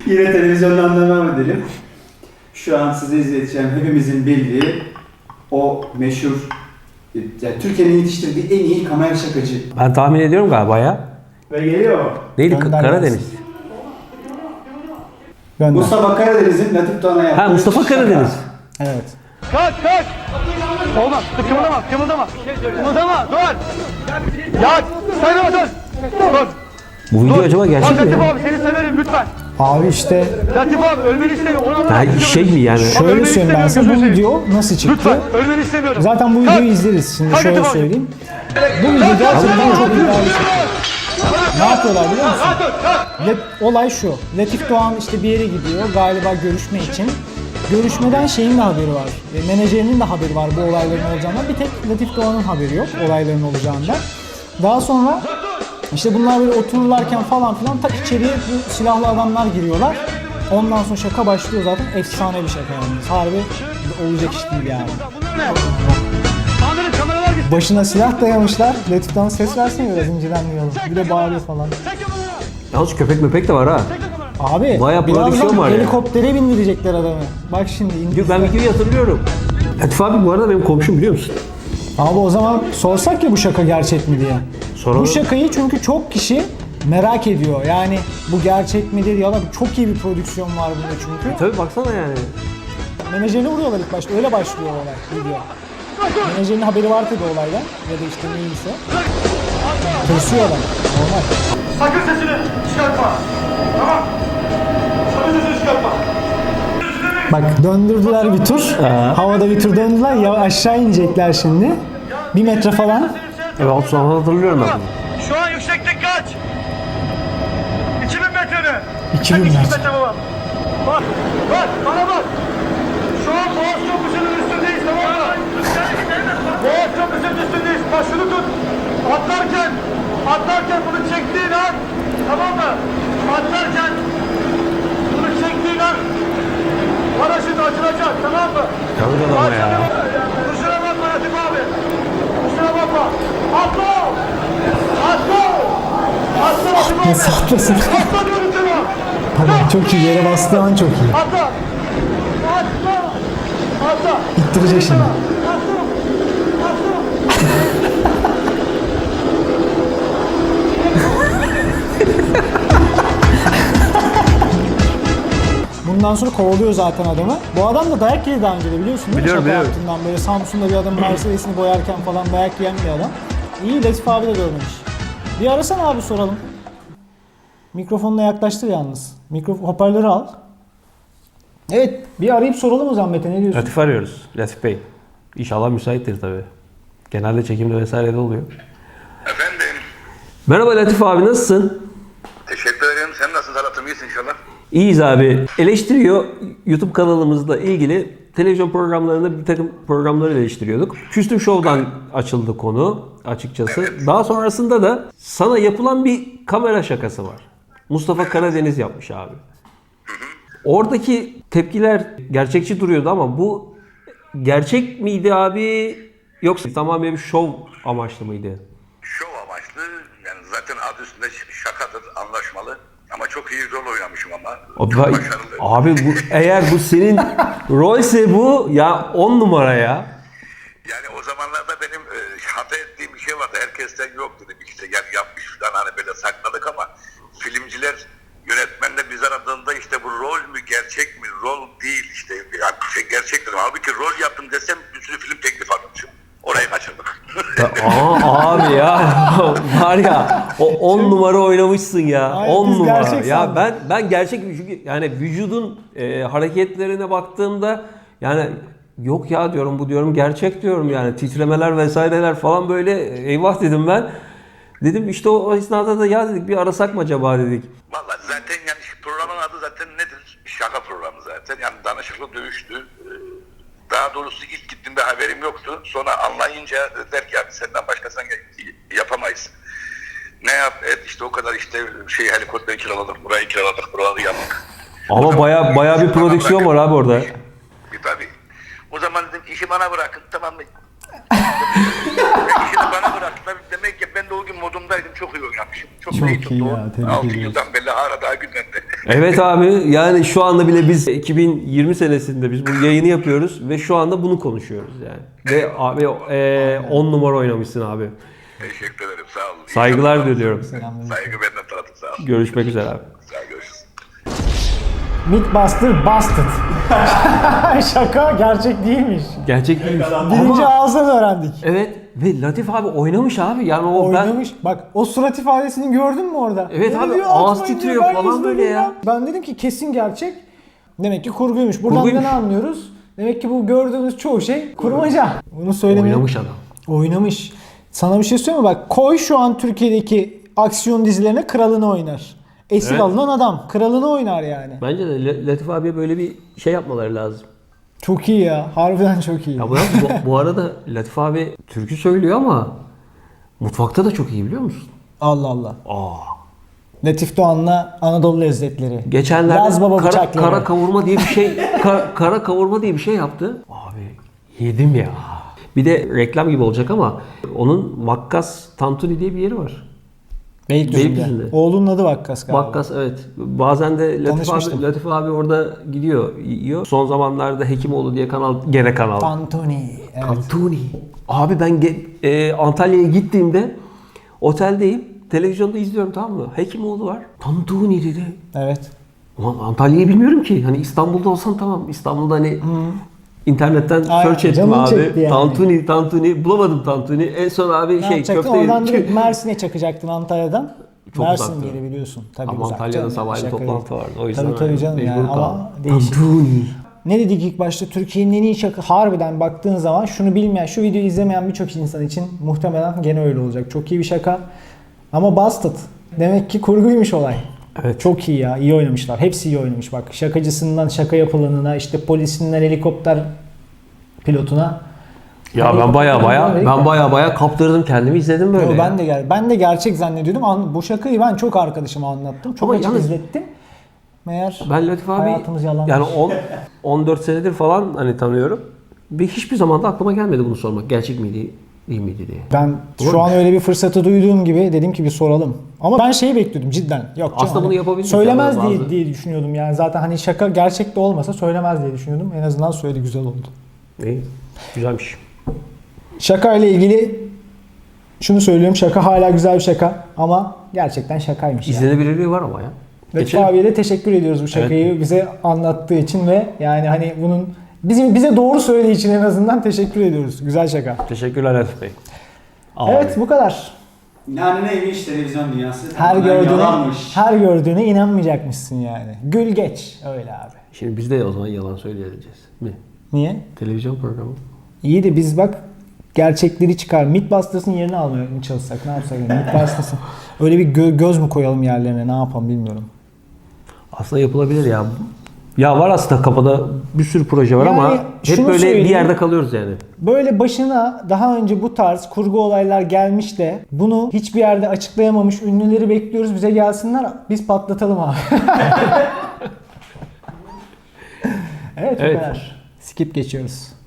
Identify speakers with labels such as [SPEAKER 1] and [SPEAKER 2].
[SPEAKER 1] Yine televizyondan devam edelim. Şu an size izleteceğim hepimizin bildiği o meşhur, yani Türkiye'nin yetiştirdiği en iyi kamera şakacı.
[SPEAKER 2] Ben tahmin ediyorum galiba ya.
[SPEAKER 1] Ve geliyor.
[SPEAKER 2] Neydi? Karadeniz.
[SPEAKER 3] Gönder.
[SPEAKER 1] Mustafa Karadeniz'in Latif Doğan'a yaptığı
[SPEAKER 2] Ha, Mustafa
[SPEAKER 1] şaka.
[SPEAKER 2] Karadeniz.
[SPEAKER 3] Evet.
[SPEAKER 4] Kaç! Olmaz. Kımıldama. Kımıldama. Dur. Ya sen dur. Dur.
[SPEAKER 2] Bu video acaba gerçek mi?
[SPEAKER 4] Latif
[SPEAKER 2] ya?
[SPEAKER 4] abi seni severim lütfen.
[SPEAKER 3] Abi işte
[SPEAKER 4] Latif abi ölmeni istemiyorum. Ona
[SPEAKER 2] Ha, şey mi yani?
[SPEAKER 3] şöyle söyleyeyim ben size, bu video nasıl çıktı?
[SPEAKER 4] Lütfen ölmeni istemiyorum.
[SPEAKER 3] Zaten bu videoyu izleriz. Şimdi
[SPEAKER 4] Kalk
[SPEAKER 3] şöyle
[SPEAKER 4] Latif abi.
[SPEAKER 3] söyleyeyim. Bu video gerçekten çok iddialı çıktı. Ne yapıyorlar biliyor musun? Olay şu. Latif Doğan işte bir yere gidiyor galiba görüşme için. Görüşmeden şeyin de haberi var. Menajerinin de haberi var bu olayların olacağından. Bir tek Latif Doğan'ın haberi yok olayların olacağından. Daha sonra işte bunlar böyle otururlarken falan filan tak içeriye bu silahlı adamlar giriyorlar. Ondan sonra şaka başlıyor zaten. Efsane bir şaka yalnız. Harbi olacak iş değil yani.
[SPEAKER 4] Amirim kameralar gitsin.
[SPEAKER 3] Başına silah dayamışlar. Latif Doğan ses versene biraz inceden duyalım. Bir de bağırıyor falan.
[SPEAKER 2] Yalnız köpek möpek de var ha.
[SPEAKER 3] Abi
[SPEAKER 2] Bayağı prodüksiyon
[SPEAKER 3] birazdan
[SPEAKER 2] var ya.
[SPEAKER 3] helikoptere bindirecekler adamı. Bak şimdi
[SPEAKER 2] Ben videoyu hatırlıyorum. Latif abi bu arada benim komşum, biliyor musun?
[SPEAKER 3] Abi o zaman sorsak ya bu şaka gerçek mi diye.
[SPEAKER 2] Soralım.
[SPEAKER 3] Bu şakayı çünkü çok kişi merak ediyor. Yani bu gerçek midir ya da çok iyi bir prodüksiyon var bunda çünkü.
[SPEAKER 2] Tabii baksana yani.
[SPEAKER 3] Menajerini vuruyorlar ilk başta. Öyle başlıyor olay video. Menajerinin haberi var tabii olaydan ya da işte neyse. Tırsıyor adam. Normal.
[SPEAKER 4] Sakın sesini çıkartma. Tamam. Sakın sesini çıkartma.
[SPEAKER 3] Bak döndürdüler bir tur. Havada bir tur döndüler. Ya aşağı inecekler şimdi. 1 metre falan.
[SPEAKER 2] Evet, sonra hatırlıyorum ben bunu.
[SPEAKER 4] Şu an yükseklik kaç? 2000 metre mi?
[SPEAKER 3] 2000
[SPEAKER 4] Kaç
[SPEAKER 3] metre.
[SPEAKER 4] baba? Bak, bana bak. Şu an Boğaz Köprüsü'nün üstündeyiz, tamam mı? Boğaz Köprüsü'nün üstündeyiz. Bak şunu tut. Atlarken bunu çektiğin an, tamam mı? Atlarken bunu çektiğin an paraşüt açılacak, tamam mı?
[SPEAKER 2] Tabii adama ya.
[SPEAKER 4] Kusura bakma Latif abi. Kusura bakma. Atla! Atla! Atla Latif abi!
[SPEAKER 3] Nasıl atlasın?
[SPEAKER 4] Atla diyorum sana!
[SPEAKER 3] Tamam çok iyi. Yere bastığı an çok iyi.
[SPEAKER 4] Atla! Atla! Atla!
[SPEAKER 3] İttirecek şimdi.
[SPEAKER 4] Atla! Atla!
[SPEAKER 3] Bundan sonra kovalıyor zaten adamı. Bu adam da dayak yedi daha önce de biliyorsun değil mi?
[SPEAKER 2] Biliyorum,
[SPEAKER 3] Şaka
[SPEAKER 2] biliyorum.
[SPEAKER 3] yaptığından böyle Samsun'da bir adam Mercedes'ini boyarken falan dayak yiyen bir adam. İyi, Latif abi de görmemiş. Bir arasana abi soralım. Mikrofonuna yaklaştır yalnız. Hoparlörü al. Evet, bir arayıp soralım o zaman Mete, ne diyorsun?
[SPEAKER 2] Latif arıyoruz. Latif Bey. İnşallah müsaittir tabii. Genelde çekimde vesaire de oluyor.
[SPEAKER 5] Efendim,
[SPEAKER 2] Merhaba Latif abi, nasılsın?
[SPEAKER 5] teşekkür ederim. Sen nasılsın Talat'ım? İyisin inşallah.
[SPEAKER 2] İyiyiz abi. Eleştiriyor YouTube kanalımızla ilgili televizyon programlarında bir takım programları eleştiriyorduk. Küstüm Show'dan açıldı konu açıkçası.
[SPEAKER 5] Evet.
[SPEAKER 2] Daha sonrasında da sana yapılan bir kamera şakası var. Mustafa Karadeniz yapmış abi. Oradaki tepkiler gerçekçi duruyordu ama bu gerçek miydi abi, yoksa tamamen bir şov amaçlı mıydı?
[SPEAKER 5] Şov amaçlı, yani zaten adı üstünde şakadır, anlaşmalı. Ama çok iyi rol oynamışım ama. Çok başarılı.
[SPEAKER 2] Abi bu, eğer bu senin rolse bu ya 10 numara ya.
[SPEAKER 5] Yani o zamanlarda benim hata ettiğim bir şey vardı. Herkesten yok dedim. İşte yani yapmış falan hani böyle sakladık ama filmciler, yönetmenler biz aradığında işte bu rol mü gerçek mi, rol değil işte. Yani gerçek dedim. Halbuki rol yaptım desem bir sürü film teklif almışım. Orayı kaçırdık.
[SPEAKER 2] Abi ya var ya o 10 numara oynamışsın ya.
[SPEAKER 3] Ay,
[SPEAKER 2] 10
[SPEAKER 3] biz
[SPEAKER 2] numara.
[SPEAKER 3] gerçek
[SPEAKER 2] Ya
[SPEAKER 3] sandık.
[SPEAKER 2] ben gerçek, çünkü yani vücudun hareketlerine baktığımda yani yok ya diyorum, bu diyorum gerçek diyorum, yani titremeler vesaireler falan böyle, eyvah dedim ben. Dedim işte o esnada da ya dedik bir arasak mı acaba dedik.
[SPEAKER 5] Vallahi zaten yani programın adı zaten nedir? Şaka programı zaten. Yani danışıklı dövüştü. Daha doğrusu ilk gittiğimde haberim yoktu. Sonra anlayınca dediler ki abi senden başkasından yapamayız. Ne yap et işte o kadar işte helikopter kiraladık, burayı kiraladık, buraları yaptık.
[SPEAKER 2] Ama baya bir prodüksiyon var abi orada.
[SPEAKER 5] Tabii. O zaman dedim işi bana bırakın, tamam mı? İşini bana bırakın. aslında demek ki ben de o gün modumdaydım. Çok iyi oynamışım. Çok
[SPEAKER 3] Çok
[SPEAKER 5] iyi
[SPEAKER 3] iyi
[SPEAKER 5] tuttu.
[SPEAKER 3] ya, tebrik
[SPEAKER 5] 6
[SPEAKER 3] ediyoruz.
[SPEAKER 5] yıldan beri hala daha gülmedi.
[SPEAKER 2] Evet abi, yani şu anda bile biz 2020 senesinde biz bu yayını yapıyoruz ve şu anda bunu konuşuyoruz yani. Ve abi 10 numara oynamışsın abi.
[SPEAKER 5] Teşekkür ederim. Sağ olun.
[SPEAKER 2] Saygılar diliyorum.
[SPEAKER 3] Selamünaleyküm.
[SPEAKER 5] Saygı benden tanıdım. Sağ olun.
[SPEAKER 2] Görüşmek üzere abi.
[SPEAKER 5] Sağ olun. Görüşürüz.
[SPEAKER 3] Mythbuster busted. Şaka gerçek değilmiş.
[SPEAKER 2] Gerçek değil.
[SPEAKER 3] Birinci ağızdan öğrendik.
[SPEAKER 2] Evet ve Latif abi oynamış abi. Yani o
[SPEAKER 3] Oynamış. Bak o surat ifadesini gördün mü orada?
[SPEAKER 2] Evet
[SPEAKER 3] Ne
[SPEAKER 2] abi,
[SPEAKER 3] diyor,
[SPEAKER 2] ağız
[SPEAKER 3] atmayın
[SPEAKER 2] titriyor
[SPEAKER 3] diyor, ben
[SPEAKER 2] falan
[SPEAKER 3] izledim
[SPEAKER 2] böyle ya.
[SPEAKER 3] Ben dedim ki kesin gerçek. Demek ki kurguymuş. Buradan
[SPEAKER 2] Kurguymuş.
[SPEAKER 3] ne anlıyoruz? Demek ki bu gördüğümüz çoğu şey kurmaca. Bunu söylemeye...
[SPEAKER 2] oynamış adam.
[SPEAKER 3] Oynamış. Sana bir şey söyleyeyim mi? Bak koy şu an Türkiye'deki aksiyon dizilerine kralını oynar. Esir
[SPEAKER 2] Evet.
[SPEAKER 3] alınan adam. Kralını oynar yani.
[SPEAKER 2] Bence de Latif abiye böyle bir şey yapmaları lazım.
[SPEAKER 3] Çok iyi ya. Harbiden çok iyi.
[SPEAKER 2] Ya bu arada Latif abi türkü söylüyor ama mutfakta da çok iyi, biliyor musun?
[SPEAKER 3] Allah Allah.
[SPEAKER 2] Aa.
[SPEAKER 3] Latif Doğan'la Anadolu lezzetleri.
[SPEAKER 2] Geçenlerde
[SPEAKER 3] Yaz baba bıçakları.
[SPEAKER 2] kara kavurma diye bir şey kara kavurma diye bir şey yaptı. Abi yedim ya. Bir de reklam gibi olacak ama onun Vakkas Tantuni diye bir yeri var.
[SPEAKER 3] Beylikdüzü'nde.
[SPEAKER 2] Beylikdüzü'nde.
[SPEAKER 3] Oğlunun adı Vakkas galiba.
[SPEAKER 2] Vakkas, evet. Bazen de
[SPEAKER 3] Tanışmıştım.
[SPEAKER 2] Latif abi orada gidiyor, yiyor. Son zamanlarda Hekimoğlu diye gene kanal.
[SPEAKER 3] Tantuni. Evet.
[SPEAKER 2] Tantuni. Abi ben Antalya'ya gittiğimde oteldeyim. Televizyonda izliyorum, tamam mı? Hekimoğlu var. Tantuni dedi.
[SPEAKER 3] Evet.
[SPEAKER 2] Ulan Antalya'yı bilmiyorum ki. Hani İstanbul'da olsam tamam. İstanbul'da hani internetten
[SPEAKER 3] Aynen,
[SPEAKER 2] search ettim
[SPEAKER 3] canın çekti
[SPEAKER 2] abi.
[SPEAKER 3] yani.
[SPEAKER 2] Tantuni bulamadım Tantuni. En son abi
[SPEAKER 3] Ne yapacaktın?
[SPEAKER 2] köfte
[SPEAKER 3] Oradan
[SPEAKER 2] yedim.
[SPEAKER 3] direkt Mersin'e çakacaktın Antalya'dan.
[SPEAKER 2] Çok
[SPEAKER 3] Mersin
[SPEAKER 2] uzaktı.
[SPEAKER 3] yeri biliyorsun. Tabii
[SPEAKER 2] Ama
[SPEAKER 3] uzak
[SPEAKER 2] Antalya'da
[SPEAKER 3] canım,
[SPEAKER 2] sabahleyin
[SPEAKER 3] şaka
[SPEAKER 2] toplantı
[SPEAKER 3] değil.
[SPEAKER 2] vardı. O yüzden
[SPEAKER 3] Tabii tabii canım
[SPEAKER 2] mecbur
[SPEAKER 3] yani
[SPEAKER 2] kaldım.
[SPEAKER 3] ama değişik.
[SPEAKER 2] Tantuni.
[SPEAKER 3] Ne dedik ilk başta? Türkiye'nin en iyi şaka. Harbiden baktığın zaman şunu bilmeyen, şu videoyu izlemeyen birçok insan için muhtemelen gene öyle olacak. Çok iyi bir şaka. Ama busted. Demek ki kurguymuş olay.
[SPEAKER 2] Evet.
[SPEAKER 3] Çok iyi ya. İyi oynamışlar. Hepsi iyi oynamış bak. Şakacısından şaka yapılanına, işte polisinden helikopter pilotuna.
[SPEAKER 2] Ya ben baya kaptırdım kendimi, izledim böyle.
[SPEAKER 3] Yo,
[SPEAKER 2] ya.
[SPEAKER 3] ben de gerçek zannediyordum. Bu şakayı ben çok arkadaşıma anlattım. Çok
[SPEAKER 2] Ama
[SPEAKER 3] açık
[SPEAKER 2] yalnız-
[SPEAKER 3] izlettim. Meğer
[SPEAKER 2] Ben Latif abi
[SPEAKER 3] hayatımız yalanmış.
[SPEAKER 2] yani 14 senedir falan hani tanıyorum. Ve hiçbir zaman da aklıma gelmedi bunu sormak. Gerçek miydi, değil miydi diye.
[SPEAKER 3] ben şu an öyle bir fırsatı duyduğum gibi dedim ki bir soralım. Ama ben şeyi bekliyordum cidden. Yok canım,
[SPEAKER 2] Aslında bunu yapabiliriz
[SPEAKER 3] söylemez
[SPEAKER 2] yani bazı-
[SPEAKER 3] diye düşünüyordum yani. Zaten hani şaka gerçek de olmasa söylemez diye düşünüyordum. En azından söyledi, güzel oldu.
[SPEAKER 2] İyi. Güzelmiş.
[SPEAKER 3] Şaka ile ilgili şunu söylüyorum. Şaka hala güzel bir şaka ama gerçekten şakaymış yani.
[SPEAKER 2] İzlenebilirliği var ama ya.
[SPEAKER 3] Latif
[SPEAKER 2] Geçelim.
[SPEAKER 3] abiye de teşekkür ediyoruz bu şakayı bize anlattığı için ve yani hani bunun bize doğru söylediği için en azından teşekkür ediyoruz. Güzel şaka.
[SPEAKER 2] Teşekkürler Latif Bey. Abi.
[SPEAKER 3] Evet bu kadar.
[SPEAKER 1] Yani neymiş televizyon dünyası?
[SPEAKER 3] Her
[SPEAKER 1] Tamamen
[SPEAKER 3] gördüğüne
[SPEAKER 1] yalanmış.
[SPEAKER 3] her gördüğüne inanmayacakmışsın yani. Gül geç öyle abi.
[SPEAKER 2] Şimdi biz de o zaman yalan söyleyeceğiz. Mi?
[SPEAKER 3] Niye?
[SPEAKER 2] Televizyon programı.
[SPEAKER 3] İyi de biz bak gerçekleri çıkar. Mythbusters'ın yerini almaya mı çalışsak? Ne yapsak? Yani? Mythbusters'ın öyle bir göz mü koyalım yerlerine? Ne yapalım bilmiyorum.
[SPEAKER 2] Aslında yapılabilir ya. Ya var aslında kafada bir sürü proje var
[SPEAKER 3] Yani
[SPEAKER 2] ama hep
[SPEAKER 3] şunu
[SPEAKER 2] böyle
[SPEAKER 3] söyleyeyim.
[SPEAKER 2] bir yerde kalıyoruz yani.
[SPEAKER 3] Böyle başına daha önce bu tarz kurgu olaylar gelmiş de bunu hiçbir yerde açıklayamamış ünlüleri bekliyoruz. Bize gelsinler. Biz patlatalım abi. Evet, bu
[SPEAKER 2] Evet.
[SPEAKER 3] kadar. Skip geçiyoruz.